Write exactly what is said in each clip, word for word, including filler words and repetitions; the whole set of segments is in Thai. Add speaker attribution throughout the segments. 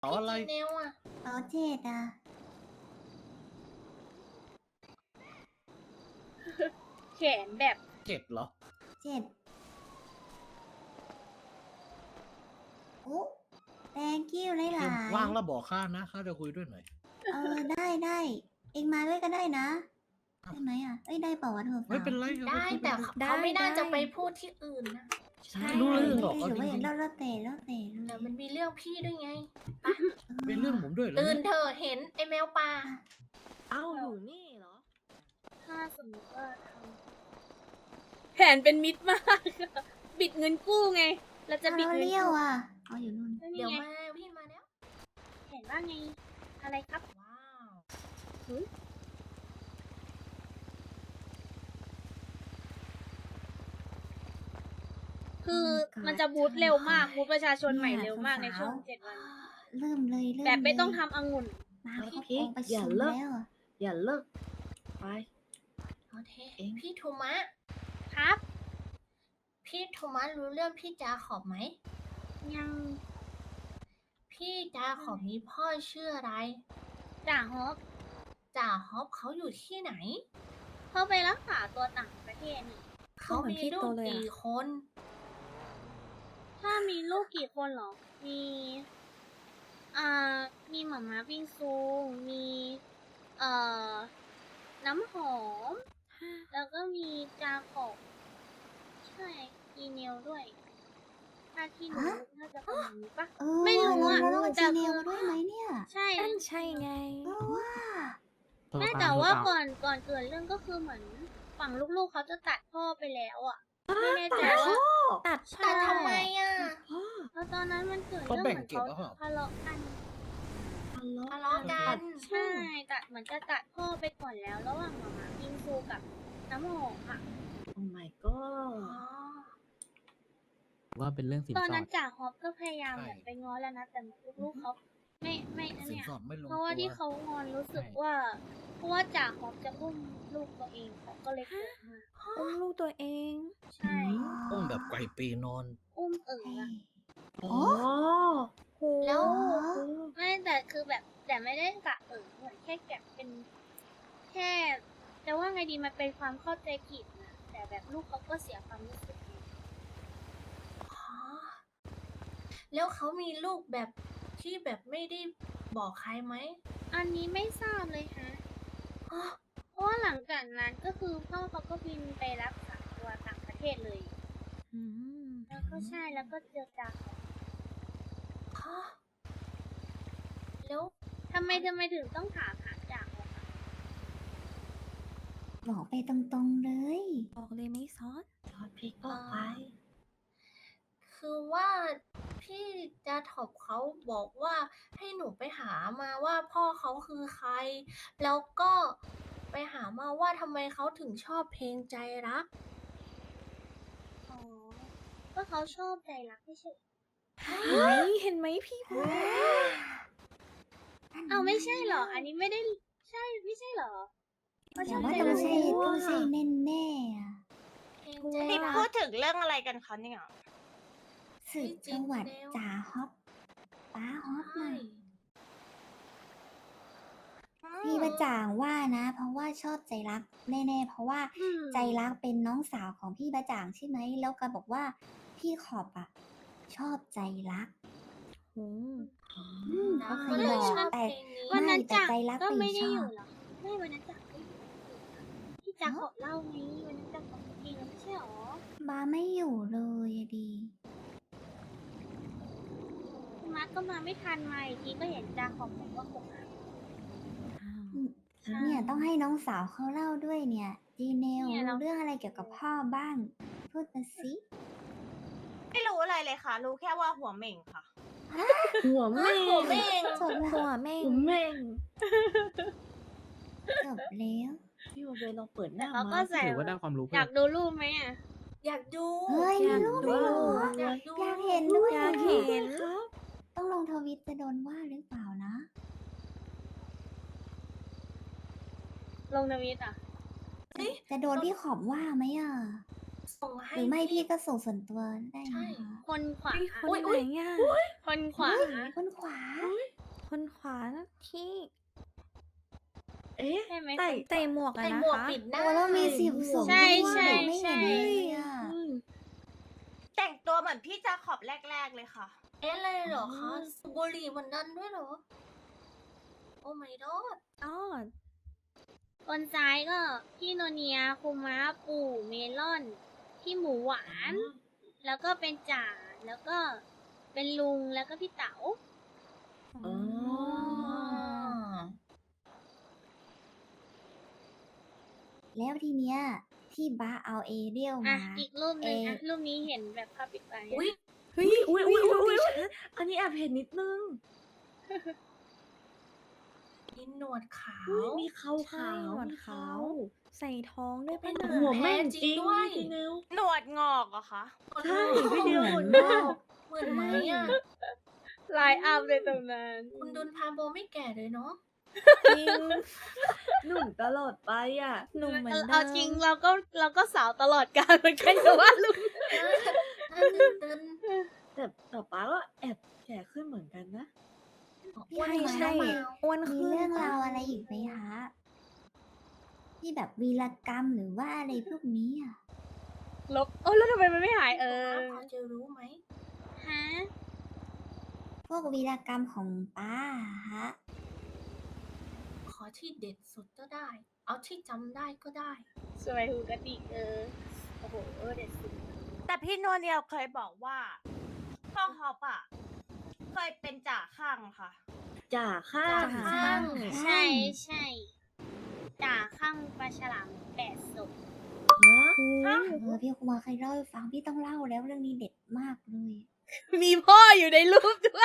Speaker 1: เอาอะไร
Speaker 2: จีเนลอ่ะ
Speaker 3: เอาเจ็ดอ่ะ
Speaker 4: แขนแบบ
Speaker 1: เจ็ดเหรอ
Speaker 3: เจ็ดโอ้ thank you หลายห
Speaker 1: เก
Speaker 3: ลาม ย
Speaker 1: ว่างแล้วบอกข้านะข้าจะคุยด้วยหน่อย
Speaker 3: เออได้ได้เองมาด้วยก็ได้นะได้ไหมอ่ะเอ้ยได้เปล่าวะเธอ
Speaker 1: ไม่เป็นไร
Speaker 2: ได้แต่เขาไม่น่าจะไปพูดที่อื่นนะ
Speaker 1: ใช่รู้เรื่องหรอก
Speaker 3: ห
Speaker 1: เอา
Speaker 3: รือ
Speaker 1: จ
Speaker 3: ว่า
Speaker 1: ริง
Speaker 3: เราเราเตะเราเตะ
Speaker 2: แต่มันมีเรื่องพี่ด้วยไง
Speaker 1: ๆเป็นเรื่องผมด้วยเหรอ
Speaker 2: ตื่น
Speaker 1: เนี่ย
Speaker 2: เถอะเห็นไอแมวป่า
Speaker 5: เอ้าอยู่นี่เหรอ
Speaker 4: ถ้าสมมติว่าทำแผนเป็นมิตรมากอะบิดเงินกู้ไง เราจะ
Speaker 3: จะ
Speaker 4: บิ
Speaker 3: บิ
Speaker 4: ด
Speaker 3: ด
Speaker 4: เงิน
Speaker 3: เลี้ยว
Speaker 4: กู้
Speaker 3: อ่ะเอาอยู่นู่น
Speaker 4: แล้ว
Speaker 2: เดี๋
Speaker 4: นี่
Speaker 2: ยว
Speaker 4: ไง
Speaker 2: มาพี่มาแล้ว
Speaker 4: แผนว่าไง อะไรครับ
Speaker 2: ว้าว
Speaker 4: คือมันจะบูทเร็วมากบูทประชาชนใหม่เร็วมากในช่วงเจ็ดวัน
Speaker 3: เริ่มเลยเริ่ม
Speaker 4: แบบไม่ต้อง
Speaker 3: เลย
Speaker 4: ทำองุ่น
Speaker 3: มาครบ
Speaker 5: พี่
Speaker 3: องค์ประ
Speaker 5: อย่า
Speaker 3: ชุม
Speaker 5: เลิก
Speaker 3: แล้วอะ
Speaker 5: อย่าเลิกไป
Speaker 2: โอเค
Speaker 5: เอง
Speaker 2: พี่โทมัส
Speaker 4: ครับ
Speaker 2: พี่โทมัสรู้เรื่องพี่จาขอบไหม
Speaker 4: ยัง
Speaker 2: พี่จาขอบมีพ่อชื่ออะไร
Speaker 4: จ่าฮอป
Speaker 2: จ่าฮอปเขาอยู่ที่ไหน
Speaker 4: เขาไปรักษาตัวต่างประเทศนี่
Speaker 2: เขามีลูกกี่คน
Speaker 4: ถ้ามีลูกกี่คนเหรอ มี อ่า มีหม่าม้าบิงซู มี เอ่อ น้ำหอม แล้วก็มีจาขอบใช่อีเนลด้วย ถ้าที่หนูน่าจะประมาณนี้ปะ
Speaker 3: เออ
Speaker 4: ไม่รู้อะ
Speaker 3: แล้วเรา
Speaker 4: แต่
Speaker 3: จี
Speaker 4: คือ
Speaker 3: เนลมาด้วยไหมเนี่ย
Speaker 4: ใช่
Speaker 5: นั่นใช่ไง
Speaker 3: เออว่า
Speaker 4: แม่แต่ว่าก่อนก่อนเกิดเรื่องก็คือเหมือนฝั่งลูกๆเขาจะตัดพ่อไปแล้วอ่ะ ไม่แน่ใจว่า
Speaker 5: ตัด
Speaker 2: แต่ทำไมอ่ะ
Speaker 4: แล้วตอนนั้นมันเกิด
Speaker 1: เขา
Speaker 4: เรื่อง
Speaker 1: แบ่ง
Speaker 4: เหมือน
Speaker 1: เก็บ
Speaker 4: เขา
Speaker 1: แล้วเปล่า
Speaker 4: ทะเลาะกัน
Speaker 2: ทะเลาะกัน
Speaker 4: ใช่ตัดเหมือนจะตัดพ่อไปก่อนแล้ว ระหว่างหมามาบิงซูกับน้ำหอมอ่ะ
Speaker 5: โอ้ my
Speaker 2: อ๋อ
Speaker 5: god
Speaker 6: ว่าเป็นเรื่องสิน
Speaker 4: ตอน
Speaker 6: สอ
Speaker 4: นั้
Speaker 6: ด
Speaker 4: นจ่าฮอปก็พยายาม
Speaker 1: ใช่
Speaker 4: แบบไปง้อแล้วนะแต่ลูกๆเขาไม่ไม่อัน
Speaker 1: สิน
Speaker 4: เนี้ย
Speaker 1: สอดไม่ลง
Speaker 4: เพราะว่า
Speaker 1: ตัว
Speaker 4: ที่เขางอนรู้สึกว่า เพราะว่าจ่าฮอปจะอุ้มลูกตัวเองเขาก็เลยเกิดมา
Speaker 5: อุ้มลูกตัวเอง
Speaker 4: ใช่
Speaker 1: อุ้มแบบไก่ปีนอน
Speaker 4: อุ้มเอ๋ออะ
Speaker 5: อ๋อโห
Speaker 2: แล้ว
Speaker 4: ไม่แต่คือแบบแต่ไม่ได้กะเออเหมือนแค่แกะเป็น แค่แต่ว่าไงดีมันเป็นความเข้าใจผิดนะแต่แบบลูกเขาก็เสียความรู้สึกไง
Speaker 2: อ๋อแล้วเขามีลูกแบบที่แบบไม่ได้บอกใครไหม
Speaker 4: อันนี้ไม่ทราบเลยฮะ
Speaker 2: อ๋อ
Speaker 4: เพราะว่าหลังจากนั้นก็คือพ่อเขาก็บินไปรักษาตัวต่างประเทศเลย
Speaker 5: อืม
Speaker 4: แล้วก็ใช่แล้วก็เจอจาเขา
Speaker 2: ฮะแล้ว
Speaker 4: ทำไมทำไมถึงต้องถามหาจ่าเขาคะ
Speaker 3: บอกไปตรงๆเลย
Speaker 5: บอกเลยไม่ซอส
Speaker 2: ยอดพี่ก็ไป คือว่าพี่จะถอบเขาบอกว่าให้หนูไปหามาว่าพ่อเขาคือใคร แล้วก็ไปหามาว่าทำไมเขาถึงชอบเพลงใจรัก
Speaker 4: อ๋อก็เขาชอบใจรักไม่ใช่
Speaker 5: เฮ้ยเห็นไหมพี่พูด
Speaker 4: เอาไม่ใช่เหรอ อันนี้ไม่ได้ใช่ไม่ใช่เหรอเขาช
Speaker 3: แต่
Speaker 4: อบ
Speaker 3: ว่า
Speaker 4: ใจ
Speaker 3: ต้อง
Speaker 4: รัก
Speaker 3: ใช่ต้องใช่แน่แน่ๆอะ
Speaker 2: เพลงใจ
Speaker 7: นี่
Speaker 2: รั
Speaker 7: พู
Speaker 2: ก
Speaker 7: ดถึงเรื่องอะไรกันคะเนี่ย
Speaker 3: สืบจังหวัดจ่าฮอปป้าฮอป
Speaker 2: ใช่
Speaker 3: น่ะพี่ประจ่างว่านะ เพราะว่าชอบใจรักแน่ๆเพราะว่า
Speaker 4: อืม
Speaker 3: ใจรักเป็นน้องสาวของพี่ประจ่างใช่ไหมแล้วก็บอกว่าพี่ขอบอ่ะ ชอบใจรัก
Speaker 5: โอ้
Speaker 3: อืมเขาเค
Speaker 2: ก็
Speaker 3: ย
Speaker 2: เล
Speaker 3: บ
Speaker 2: ย
Speaker 3: อก
Speaker 2: ชอบ
Speaker 3: แต่
Speaker 2: เพลงนี้
Speaker 4: วันนั้น
Speaker 3: ไม่แต่
Speaker 4: จ่า
Speaker 3: ใจรัก
Speaker 4: ก็
Speaker 3: ไป
Speaker 4: ไม่ได้
Speaker 3: ช
Speaker 4: อ
Speaker 3: อบ
Speaker 4: ยู่เหรอไม่วันนั้นจ่าไม่อยู่พี่จ่าขอเล่าไงวันนั้นจ่าขอเพลงไม่ใช่หรอ
Speaker 3: บ้าไม่อยู่เลยอะดี
Speaker 4: คุณมาร์คก็มาไม่ทันมาอีกทีก็เห็นจ่าขอบอกว่าผมอ่ะ ใช่
Speaker 3: เนี่ยต้องให้น้องสาวเขาเล่าด้วยเนี่ยจีเนล
Speaker 4: เนี่ยเรา
Speaker 3: รู้เรื่องอะไรเกี่ยวกับพ่อบ้าง พูดมาสิ
Speaker 7: ไม่รู้อะไรเลยค่ะ รู้แค่ว่าหัวเหม่งค่ะ
Speaker 5: หัวแม่ง
Speaker 2: หัวแม่ง
Speaker 3: จบแล้ว
Speaker 5: หัวแม่งหัวแม่ง
Speaker 3: จบแล้ว
Speaker 5: พี่วาเวลองเปิดห
Speaker 4: แต่
Speaker 5: น้า
Speaker 4: เขาก็
Speaker 5: มา
Speaker 4: ใส่
Speaker 6: ถือว่าได้ความรู้
Speaker 4: อ
Speaker 6: เพิ่
Speaker 4: ยาม กดูรูปไหมอ่ะ
Speaker 2: อยากดู
Speaker 3: เฮ้ย
Speaker 5: อยาก
Speaker 3: มีรูป
Speaker 5: ดู
Speaker 3: ด้วยเหรอ
Speaker 2: อยากดู
Speaker 3: อยากเห็นด้วย
Speaker 5: อยาก
Speaker 3: อะ
Speaker 5: เห็นครับ
Speaker 3: ต้องลงทวิตจะโดนว่าหรือเปล่านะ
Speaker 4: ลงทวิตอ่ะ
Speaker 3: จะโดนพี่ขอบว่าไหมอ่ะ
Speaker 2: ส่งให้
Speaker 3: หรือไม่พี่ก็ส่งส่วนตัวได้นะคะ
Speaker 4: คนขวา
Speaker 5: คนไหนอ่ะ
Speaker 4: คนขวา
Speaker 3: คนขวา
Speaker 6: ารที่
Speaker 5: เอ๊ะ
Speaker 4: ใช่ไหม
Speaker 5: ใส่
Speaker 6: ใส่หมวกอะ
Speaker 2: ใส่
Speaker 6: นะ
Speaker 2: หมวก
Speaker 6: คะ
Speaker 2: ปิดหน้า
Speaker 3: โอ้แล้วมีสิบสอง
Speaker 4: ใช่
Speaker 3: ด้วย
Speaker 4: ใช่
Speaker 3: ไม่
Speaker 4: ใช่
Speaker 3: เห็นเลยอ่ะ
Speaker 5: อืม
Speaker 7: แต่งตัวเหมือนพี่จาขอบแรก ๆ เลยค่ะ
Speaker 2: เอ๊ะอะไรเหรอคะ
Speaker 5: อ๋อ
Speaker 2: สูบบุหรี่เหมือนกันด้วยเหรอ โอ้ my god
Speaker 6: อ๋อ
Speaker 4: คนซ้ายก็พี่โนเนียคุมะปู่เมลอน พี่หมูหวาน แล้วก็เป็นจ่า แล้วก็เป็นลุง แล้วก็พี่เต๋า
Speaker 5: อ๋อ
Speaker 3: แล้วทีเนี้ยที่บ้าเอาเอเรียล
Speaker 4: อ่ะ
Speaker 3: มา
Speaker 4: อีกรูปหนึ่ง
Speaker 3: เ
Speaker 4: อ่ะ รูปนี้เห็นแบบภาพปิดไป
Speaker 2: อุ้ย
Speaker 5: เฮ้ยอุ้ยอุ้ยอุ้ยอุ้ยอันนี้แอบเห็นนิดนึง
Speaker 2: มีหนวดขาว
Speaker 5: อุ้ยมีเขา
Speaker 6: ใช่
Speaker 5: ขาว
Speaker 6: หนวด
Speaker 5: มี
Speaker 6: ขา
Speaker 5: เขา
Speaker 6: ว ใส่ท้องด้วย
Speaker 2: เป็
Speaker 6: ปะ
Speaker 2: น
Speaker 6: น่ะ
Speaker 5: หัวแม่ง
Speaker 2: แท้
Speaker 5: จ
Speaker 2: จริ
Speaker 5: ริ
Speaker 2: ง
Speaker 5: ง
Speaker 2: ด้วย
Speaker 5: พี่เนว
Speaker 7: หนวดงอกเหรอคะ
Speaker 5: ใช่พี่เดียวเหมือน
Speaker 3: เหมื
Speaker 5: มาก
Speaker 2: เหมือนไหมอ่ะ
Speaker 4: ไลน์อัพในตำนาน
Speaker 2: คุณดุนพาโบไม่แก่เลยเนาะ
Speaker 6: จริง
Speaker 5: หนุ่มตลอดไปอ่ะ
Speaker 6: หนุ่มเหมือนเดิม
Speaker 4: เอาจริงเราก็เราก็สาวตลอดกาลเหมือนกันแต่ว่าลุง
Speaker 2: หน้าตึนตึน
Speaker 5: แต่แต่ป้าก็แอบแก่ขึ้นเหมือนกันนะ
Speaker 2: อ้วน
Speaker 3: ใช่
Speaker 2: ไหม
Speaker 3: ใช่
Speaker 2: น้องแมว
Speaker 6: อ้วน
Speaker 3: มี
Speaker 6: ขึ้น
Speaker 3: เรื่อง
Speaker 6: ปะ
Speaker 3: ราวอะไรอีกไหมคะที่แบบวีรกรรมหรือว่าอะไรพวกนี้อ่ะ
Speaker 4: ลบโอ้แล้วทำไมมันไม่หายเออ
Speaker 2: พอจะรู้ไหม
Speaker 4: ฮะ
Speaker 3: พวกวีรกรรมของป้าอะฮะ
Speaker 2: ขอที่เด็ดสุดก็ได้ เอาที่จำได้ก็ได้
Speaker 4: สวยหูกระดิกเออ โอ้โหเออเด็ดสุด
Speaker 7: แต่พี่โนเนียเคยบอกว่าพ่อฮอปอ่ะ เคยเป็นจ่าข้างค่ะ
Speaker 5: จ่าข้าง
Speaker 2: จ่าข้าง
Speaker 4: ใช่ใช่จ่าข้างปลาฉลามแปดศพ
Speaker 5: ฮะ
Speaker 3: เออพี่คุมาเคยเล่าให้ฟังพี่ต้องเล่าแล้วเรื่องนี้เด็ดมากเลย
Speaker 4: มีพ่ออยู่ในรูปด้วย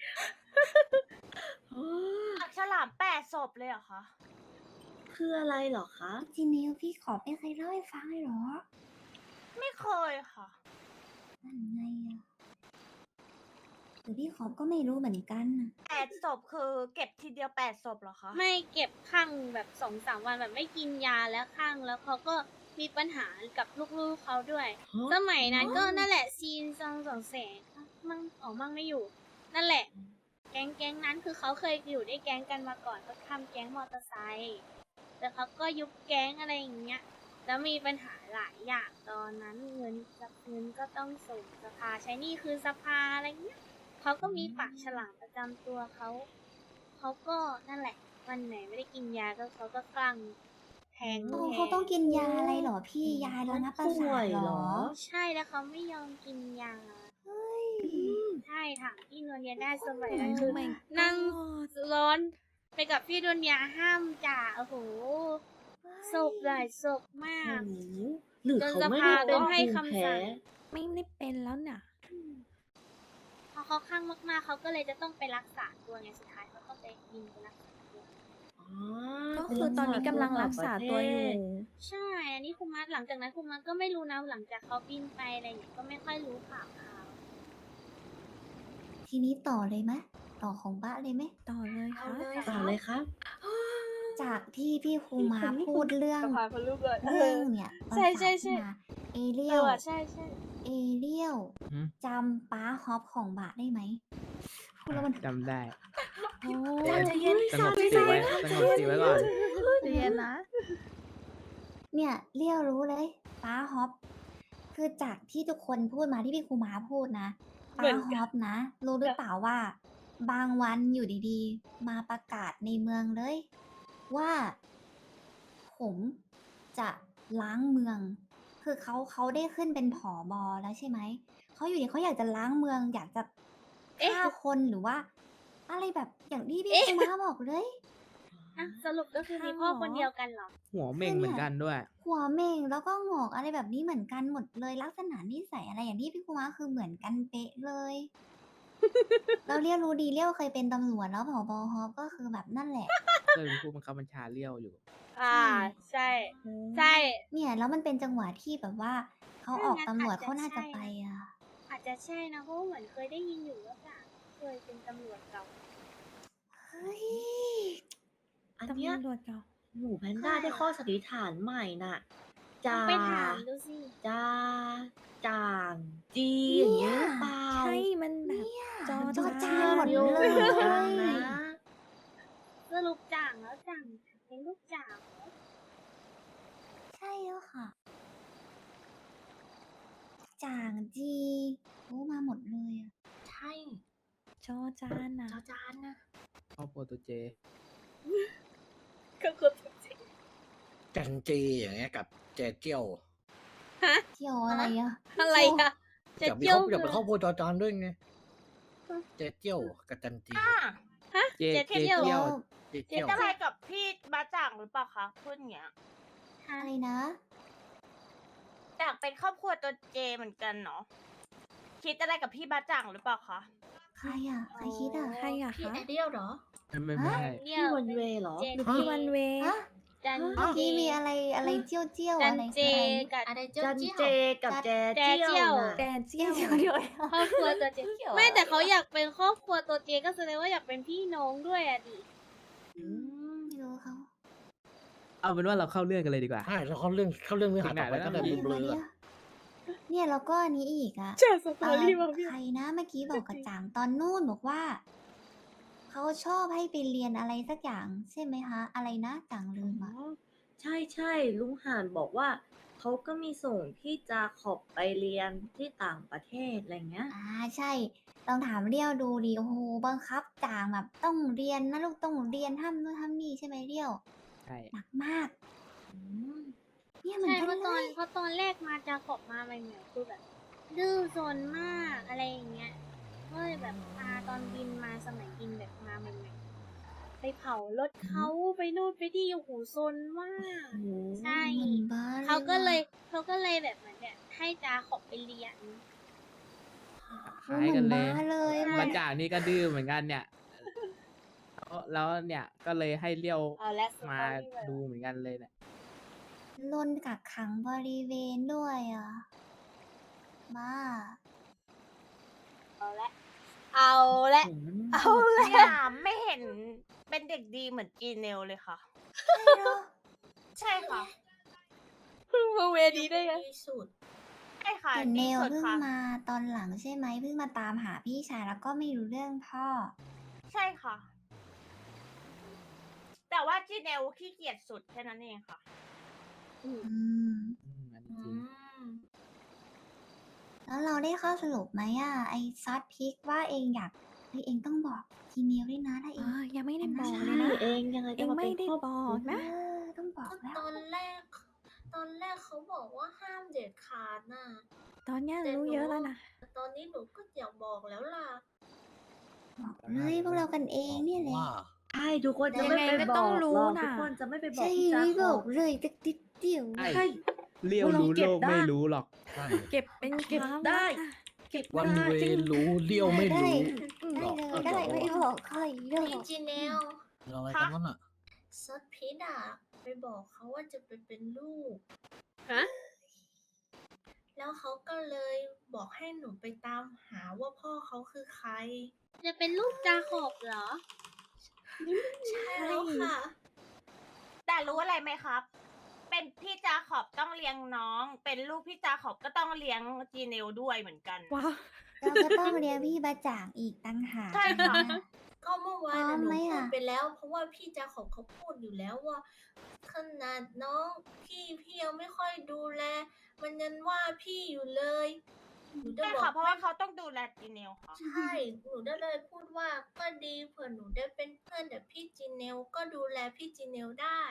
Speaker 7: ปากฉลามแปดศพเลยเหรอคะ
Speaker 5: คืออะไรเหรอคะ
Speaker 3: จริงๆแล้วพี่ขอบไม่เคยเล่าให้ฟังเลยเหรอ
Speaker 7: ไม่เคยค่ะ
Speaker 3: นั่นไงอ่ะหรือพี่ขอบก็ไม่รู้เหมือนกันน่ะ
Speaker 7: แปดศพคือเก็บทีเดียวแปดศพเหรอคะ
Speaker 4: ไม่เก็บข้างแบบสองสามวันแบบไม่กินยาแล้วข้างแล้วเขาก็มีปัญหากับลูกๆเขาด้วย
Speaker 5: ฮะ
Speaker 4: สมัยนั้นก็นั่นแหละซีนซองสองแสงมั่งออกมั่งไม่อยู่ นั่นแหละ แก๊งแก๊งนั้นคือเขาเคยอยู่ด้วยแก๊งกันมาก่อนเขาทำแก๊งมอเตอร์ไซค์แต่เขาก็ยุบแก๊งอะไรอย่างเงี้ย แล้วมีปัญหาหลายอย่างตอนนั้นเงินเงินก็ต้องส่งสภาใช้หนี่คือสภาอะไรเงี้ยเขาก็มีปากฉลามประจำตัวเขาเขาก็นั่นแหละ วันไหนไม่ได้กินยาก็เขาก็กลั่งแทง
Speaker 3: โอ้
Speaker 4: แท
Speaker 3: เขาต้องกินยาอะไรเหรอพี่ยาระงับประ
Speaker 5: ป่
Speaker 3: สา
Speaker 5: วย
Speaker 3: ทเห
Speaker 5: เห
Speaker 3: ร
Speaker 5: ร
Speaker 3: อ
Speaker 5: อ
Speaker 4: ใช่แล้วเขาไม่ยอมกินยา
Speaker 3: เฮ้ย
Speaker 4: ใช่ถามพี่นวลยาได้สมัยนั้นคือ
Speaker 6: Oh my
Speaker 4: นั่ง
Speaker 6: god
Speaker 4: ร้อนไปกับพี่ดนยาห้ามจ่าโอ้โหศพหลายศพมาก
Speaker 5: โอ้โหหรือ
Speaker 4: จน
Speaker 5: เขาไม่
Speaker 4: สภา
Speaker 5: ได้เป็น
Speaker 4: ต้องให้
Speaker 5: ภูมิ
Speaker 4: คำ
Speaker 5: แพ้
Speaker 4: สั่ง
Speaker 6: ไม่ได้เป็นแล้วน่ะ
Speaker 4: พอเขาข้างมากๆเขาก็เลยจะต้องไปรักษาตัวไงสุดท้ายเขาต้องไปยิงไปรักษาตัว
Speaker 5: อ๋อ
Speaker 6: ก็คือตอนนี้กำลังรักษาตัวอยู่
Speaker 4: ใช่ อันนี้คุมัสหลังจากนั้นคุมัสก็ไม่รู้นะหลังจากเขาบินไปอะไรอย่างเงี้ยก็ไม่ค่อยรู้ข่าวเขา
Speaker 3: ทีนี้ต่อเลยไหมต่อของบ้าเลยไหม
Speaker 6: ต่อเลย
Speaker 2: เอา
Speaker 6: ค่ะ
Speaker 2: เลย
Speaker 5: ต่อ
Speaker 2: ค่ะ
Speaker 5: เลยครับ
Speaker 3: จากที่พี่ครูมาพูดเรื่อง
Speaker 4: สภาพลูกเลย
Speaker 3: เรื่องเนี่ยประ
Speaker 4: ใช่
Speaker 3: สา
Speaker 4: ใช่
Speaker 3: ท
Speaker 4: ใช่
Speaker 3: ขึ้นมาเอเรี
Speaker 4: เอย
Speaker 3: ล
Speaker 4: อใช่ใช่
Speaker 3: เอเรียล
Speaker 1: หืม
Speaker 3: จำป้าฮอปของบะได้ไหมพูดแล้วมัน
Speaker 8: จำได้
Speaker 6: โอ้
Speaker 2: ใจเย็น
Speaker 8: สงบสติไว้สงบสติไว้ก่อน
Speaker 6: เรียนนะ
Speaker 3: เนี่ยเรียวรู้เลยป้าฮอปคือจากที่ทุกคนพูดมาที่พี่ครูมาพูดนะป้าฮอปนะ รู้หรือเปล่าว่า บางวันอยู่ดีๆ มาประกาศในเมืองเลย ว่า ผมจะล้างเมือง คือเขาเขาได้ขึ้นเป็นผอบอแล้วใช่ไหมเขาอยู่ดีเขาอยากจะล้างเมือง อยากจะฆ่าคนหรือว่า อะไรแบบอย่างที่พี่ครูมาบอกเลย
Speaker 4: อ่ะสรุปก็คือมีพ่อคนเดียวกันเหรอ
Speaker 8: หัวเม่งเหมือนกันด้วย
Speaker 3: หัวเม่งแล้วก็งอกอะไรแบบนี้เหมือนกันหมดเลยลักษณะนิสัยอะไรอย่างที่พี่คุมาคือเหมือนกันเป๊ะเลย เราเรียกรู้ดีเรียกเคยเป็นตำรวจแล้วผบฮอปก็คือแบบนั่นแหละ
Speaker 8: เคยเป็นผู้บังคับบัญชาเลี้ยวอยู่
Speaker 4: อ่า ใช่ ใช่
Speaker 3: เนี่ยแล้วมันเป็นจังหวะที่แบบว่าเขาออกตำรวจเขาน่าจะไปอ่ะ
Speaker 4: อาจจะใช่นะเพราะว่าเหมือนเคยได้ยินอยู่ว่าจ่าเคยเป็นตำรวจเก่า
Speaker 3: เฮ้ย
Speaker 5: อัน
Speaker 6: ตำ
Speaker 5: เนี้ย
Speaker 6: รวจเก่า
Speaker 5: หมูแพนด้าได้ข้อสันนิษฐานใหม่น่ะ
Speaker 4: ต้อ
Speaker 5: จาง
Speaker 4: ไปถามดูสิ
Speaker 5: จาจ่างจีอย่างเงี้ยหรือเปล่า
Speaker 6: ใช่มันแบบ จอ
Speaker 3: จอ
Speaker 6: จา
Speaker 3: จานหมดเลย
Speaker 5: เหมือนกันนะ
Speaker 4: างแล้วจ่างเป็นลูกจ่าง
Speaker 3: ใช่แล้วค่ะ จ่างจีโอ้มาหมดเลยอะ
Speaker 2: ใช่
Speaker 6: จอจานนะ
Speaker 2: จอจานนะ
Speaker 8: ครอบครัวตัวเจ
Speaker 4: ก็คือจริง
Speaker 1: จันจีอย่างเงี้ยกับเจเจียว
Speaker 3: เที่ยวอะไรอะ
Speaker 4: อะไรอะจะ
Speaker 1: อยากมี
Speaker 4: เจี
Speaker 1: ค
Speaker 4: ย
Speaker 1: ร
Speaker 4: ว
Speaker 1: อบอยากเป็นครอบครัวจอจานด้วยไงเจเจียวกับจันจี
Speaker 7: อ่ะ
Speaker 4: ฮะ
Speaker 8: เจ
Speaker 4: เจ
Speaker 8: เจ
Speaker 4: เจียว
Speaker 8: เจียว
Speaker 1: เจ
Speaker 7: คิ
Speaker 1: เจี
Speaker 7: ด
Speaker 1: ยว
Speaker 7: อะไรกับพี่บาจ่างหรือเปล่าคะพูดอย่างเงี้ย
Speaker 3: อะไรนะ
Speaker 7: อยากเป็นครอบครัวตัวเจเหมือนกันเนาะคิดอะไรกับพี่บาจ่างหรือเปล่าคะ
Speaker 3: ใครอะใครคิดอะ
Speaker 6: ใครอะ
Speaker 2: พี่
Speaker 6: คะ
Speaker 2: ไอเดียลเหรอ
Speaker 8: ไม่ไม่ไม่
Speaker 4: เนี่
Speaker 5: พี่
Speaker 4: ย
Speaker 5: วันเวย์เหรอ
Speaker 4: เจ
Speaker 6: หรือพี่วันเวย์
Speaker 3: ฮะ
Speaker 4: จัน
Speaker 3: เมื่อ
Speaker 4: เจ
Speaker 3: กี้มีอะไรอะไรเจี้ยวเจี้ยว
Speaker 4: จัน
Speaker 3: อะไร
Speaker 4: เจ
Speaker 3: อะไร
Speaker 4: กับ
Speaker 2: อะไรเจียว
Speaker 5: จัน
Speaker 2: เจียว
Speaker 5: เจกับแจ
Speaker 4: แจ
Speaker 5: เจี
Speaker 4: เจี้
Speaker 5: ย
Speaker 4: ยว ว
Speaker 5: น่ะ
Speaker 6: แกเจี้
Speaker 3: เจี้
Speaker 6: ย
Speaker 3: ยว วเดียว
Speaker 4: ครอบครัวตัวเจ
Speaker 3: เกี่ยว
Speaker 4: ไม่
Speaker 3: อะไร
Speaker 4: แต่เขาอยากเป็นครอบครัวตัวเจก็แสดงว่าอยากเป็นพี่น้องด้วยอะดิ
Speaker 3: อืมไม่รู้เขา
Speaker 8: เอาเป็นว่าเราเข้าเรื่องกันเลยดีกว่า
Speaker 1: ใช่แล้วเขาเรื่องเขาเรื่องเนื้อหาต่อไป
Speaker 8: ถึงไหนแล้ว
Speaker 1: ก็ได้
Speaker 8: นะ
Speaker 1: เบลอๆ
Speaker 3: เดี๋
Speaker 1: อะ
Speaker 3: ยวเนี่ยแล้วก็อันนี้อีกอะ
Speaker 4: เจอสต
Speaker 3: เอ่
Speaker 4: อ
Speaker 3: อ
Speaker 4: รี่มาพี่
Speaker 3: ใครนะเมื่อกี้บอกกับจางตอนนู่นบอกว่า เขาชอบให้ไปเรียนอะไรสักอย่างใช่ไหมคะ อะไรนะจางลืม
Speaker 5: อ๋
Speaker 3: อะ
Speaker 5: อใช่ใช่ลุงห่านบอกว่าเขาก็มีส่งพี่จาขอบไปเรียนที่ต่างประเทศอะไรเงี้ย
Speaker 3: อ่าใช่ลองถามเรียวดูดิโอ้โหบังคับจางแบบต้องเรียนนะลูกต้องเรียนห้ามนู่นห้ามนี่ใช่ไหมเรียว
Speaker 8: ใช่
Speaker 3: หนักมากอืมเนี่ยเหมือ
Speaker 4: ใช่
Speaker 3: นกัน
Speaker 4: เพราะ
Speaker 3: เล
Speaker 4: ตอน
Speaker 3: ย
Speaker 4: เพราะตอนแรกมาจะขอบมาใหม่ๆคือแบบ ดื้อซนมากอะไรอย่างเงี้ยก็เลยแบบพาตอนบินมาสมัยบินแบบมาใหม่ๆไปเผารถเขาไปนู่นไปที่โอ้โหซนมาก
Speaker 5: โอ้โห
Speaker 4: ใช่
Speaker 3: เหมือนบ้า
Speaker 4: เขาก็เลย
Speaker 3: ว่ะ
Speaker 4: เขาก็เลยแบบเหมือนเนี่ยให้จาขอบไปเรียน
Speaker 3: โอ้
Speaker 8: คล้าย
Speaker 3: เหมื
Speaker 8: กั
Speaker 3: อน น
Speaker 8: เล
Speaker 3: บ้าย เลยเหมื
Speaker 8: มา
Speaker 3: อน
Speaker 8: จากนี่ก็ดื้อเหมือนกันเนี่ย แล้วแล้วเนี่ยก็เลยให้เลี้ยว
Speaker 4: เอาและสต
Speaker 8: มา
Speaker 4: อรี่เลย
Speaker 8: ดูเหมือนกันเลยเนี่ย
Speaker 3: ลนกักขังบริเวณด้วยอ่ะบ้า
Speaker 4: เอาละเอาละ
Speaker 5: โอ้โห
Speaker 4: เอาละ
Speaker 7: เนี่ยไม่เห็นเป็นเด็กดีเหมือนจีเนลเลยค่ะ
Speaker 3: ใช่เหรอ
Speaker 7: ใช่ค่ะ
Speaker 4: เพิ่งมาเวดีได้ไง
Speaker 2: ดีสุด
Speaker 7: ใช่ค่ะ
Speaker 3: แต่เน
Speaker 7: ดี
Speaker 3: ล
Speaker 7: สุด
Speaker 3: เพิ่ง
Speaker 7: ค่ะ
Speaker 3: มาตอนหลังใช่ไหมเพิ่งมาตามหาพี่ชายแล้วก็ไม่รู้เรื่องพ่อ
Speaker 7: ใช่ค่ะ แต่ว่าจีเนลขี้เกียจสุดแค่นั้นเองค่ะ
Speaker 3: อืม
Speaker 8: อืมอันนี้
Speaker 2: อื
Speaker 8: จริง
Speaker 2: ม
Speaker 3: แล้วเราได้ข้อสรุปไหมอ่ะ ไอซอสพริกว่าเองอยากเฮ้ยเองต้องบอกจีเมลด้วยนะถ้าเอ
Speaker 6: อ๋อง ยังไม่ได้บอกเล
Speaker 5: ใช่
Speaker 6: ยนะ
Speaker 5: เองยังไง
Speaker 6: เอ
Speaker 5: ก็
Speaker 6: ง
Speaker 5: มา
Speaker 6: ไม่
Speaker 5: เป็น
Speaker 6: ได้
Speaker 5: ครอบ
Speaker 6: บ
Speaker 5: ค
Speaker 6: อ
Speaker 5: รัว
Speaker 6: กนะ
Speaker 3: เออต้องบอก
Speaker 2: ก็
Speaker 3: แล้ว
Speaker 2: ตอนแรก ตอนแรกเขาบอกว่าห้ามเด็ดขาดน่ะ
Speaker 6: ตอนเนี้ย
Speaker 2: แต่
Speaker 6: รู้
Speaker 2: หนู
Speaker 6: เยอะแล้วนะ
Speaker 2: ตอนนี้หนูก็อยากบอกแล้วล่ะ
Speaker 3: บอกเลยพวกเรากันเองเนี่ยแหละ
Speaker 1: ว่า
Speaker 5: ใช่ทุกคนจะ
Speaker 6: ยัง
Speaker 5: ไม่
Speaker 6: ไง
Speaker 5: ไป
Speaker 6: ก็
Speaker 5: บ
Speaker 6: ต้
Speaker 5: อ
Speaker 6: อง
Speaker 5: ก
Speaker 6: รู้
Speaker 5: หรอก
Speaker 6: น่ะ
Speaker 5: ทุกคนจะไม่ไปบอก
Speaker 3: ใช่
Speaker 5: พี่จา
Speaker 3: ไม่
Speaker 5: ข
Speaker 3: บ
Speaker 5: อ
Speaker 3: อบ กเลยตักติดเดียว
Speaker 8: ใช่
Speaker 5: ใช่
Speaker 8: เลี้ยว
Speaker 5: เรา
Speaker 8: รู้
Speaker 5: เก็
Speaker 8: โล
Speaker 5: บ
Speaker 8: ก
Speaker 5: ได้
Speaker 8: ไม่รู้หรอก
Speaker 1: ใช่
Speaker 6: เก็บเป็น
Speaker 5: เก็บ
Speaker 6: ความ
Speaker 5: ได้
Speaker 6: ลับอะ
Speaker 5: เก็บ
Speaker 1: วัน
Speaker 5: ได้
Speaker 1: เว
Speaker 5: จริง
Speaker 1: รู้เลี้ยวไม่
Speaker 3: ได้
Speaker 1: รู้
Speaker 3: ได้
Speaker 1: หรอก
Speaker 3: เลยได้ไม่บอกใครเรื่อง
Speaker 2: พี่จีเนล
Speaker 1: อะไรกันนั่นอ่ะ
Speaker 2: ซอสพิษอ่ะ ไปบอกเขาว่าจะไปเป็นลูก
Speaker 4: ฮะ
Speaker 2: แล้วเขาก็เลยบอกให้หนูไปตามหาว่าพ่อเขาคือใคร
Speaker 4: จะเป็นลูกจาขอบเหรอ
Speaker 2: ใช่แล้วค่ะ
Speaker 7: แต่รู้อะไรไหมครับ เป็นพี่จาขอบต้องเลี้ยงน้อง เป็นลูกพี่จาขอบก็ต้องเลี้ยงจีเนลด้วยเหมือนกัน
Speaker 6: ว้าว
Speaker 3: เราก็ต้องเรียนพี่บาจ่างอีกตั้งหาก
Speaker 7: ใช่ค่ะ
Speaker 3: นะ
Speaker 2: ก็เมื่อวาน
Speaker 3: พร้อ
Speaker 2: น่ะ
Speaker 3: ม
Speaker 2: หนู
Speaker 3: ไหม
Speaker 2: พูด
Speaker 3: อะ
Speaker 2: ไปแล้ว เพราะว่าพี่จาขอบเขาพูดอยู่แล้วว่าขนาดน้องพี่พี่ยังไม่ค่อยดูแล มันยังว่าพี่อยู่เลยหนูจะ
Speaker 7: ใช่
Speaker 2: บอ
Speaker 7: ค่ะ
Speaker 2: ก
Speaker 7: เพราะว่าเขาต้องดูแลจีเนลค่ะ
Speaker 2: ใช่ หนูได้เลยพูดว่าก็ดีเผื่อหนูได้เป็นเพื่อนแต่พี่จีเนลก็ดูแลพี่จีเนลได้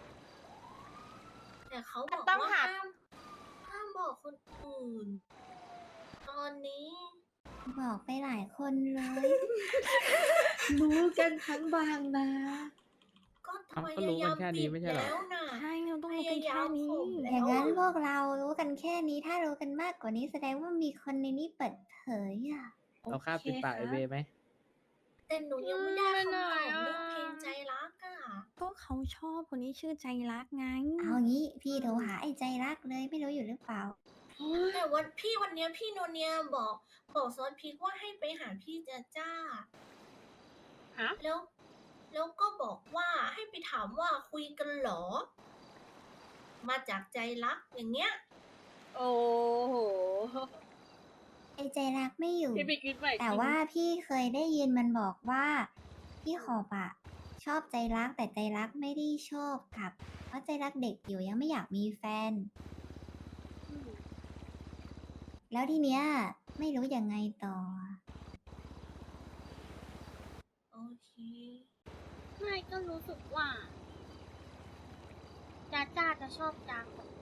Speaker 2: แต่เขาบอก
Speaker 7: ต้อง
Speaker 2: ว่า
Speaker 7: หา
Speaker 2: ห้ามห้ามบอกคนอื่น ตอนนี้
Speaker 3: บอกไปหลายคนเลย
Speaker 5: รู้กันทั้งบางนะ
Speaker 2: ก็พ
Speaker 8: เอ้าก็
Speaker 2: ยา
Speaker 8: รู้
Speaker 2: ยา
Speaker 8: กั
Speaker 2: ม
Speaker 8: นแค่นี้
Speaker 2: ปิด
Speaker 8: ไม่ใช่เหรอ
Speaker 2: แล้วน่ะ
Speaker 6: ใช่เราต้อง
Speaker 2: พ
Speaker 6: รู้กัน
Speaker 2: ยายา
Speaker 6: แค่
Speaker 2: ม
Speaker 6: นี้
Speaker 2: ข่ม
Speaker 3: อ
Speaker 2: แล้
Speaker 3: ย่าง
Speaker 2: ว
Speaker 3: นั้นพ
Speaker 2: อะ
Speaker 3: วกเรารู้กันแค่นี้ ถ้ารู้กันมากกว่านี้แสดงว่ามีคนในนี้เปิดเผยอ่ะ
Speaker 8: เราฆ่าปิดปากไอเวไหม
Speaker 2: แต่หนูยังไม่ได้
Speaker 4: อืม
Speaker 2: คำตอบ
Speaker 4: ไม่ได้อะ
Speaker 2: เรื่องเพลงใจรักอ่ะ
Speaker 6: ก็เขาชอบคนที่ชื่อใจรักไง
Speaker 3: เอางี้พี่โทรหาไอ้ใจรักเลยไม่รู้อยู่หรือเปล่า
Speaker 2: แต่วันพี่วันเนี้ยพี่โนเนียบอกบอกซอสพริกว่าให้ไปหาพี่จ้าจ้า
Speaker 4: ฮะ
Speaker 2: แล้ว แล้วก็บอกว่าให้ไปถามว่าคุยกันเหรอ มาจากใจรักอย่างเงี้ย
Speaker 4: โอ้โห
Speaker 3: ไอ้ใจรักไม่อยู่
Speaker 4: พี่ไปคิดใหม่
Speaker 3: แต่
Speaker 4: จริง
Speaker 3: ว่าพี่เคยได้ยินมันบอกว่า พี่ขอบอะชอบใจรักแต่ใจรักไม่ได้ชอบกับ เพราะใจรักเด็กอยู่ยังไม่อยากมีแฟน
Speaker 4: อืม
Speaker 3: แล้วทีเนี้ยไม่รู้ยังไงต่อ
Speaker 2: โอเค
Speaker 4: ไม่ก็รู้สึกว่าจ้าจ้าจะชอบจาขอบ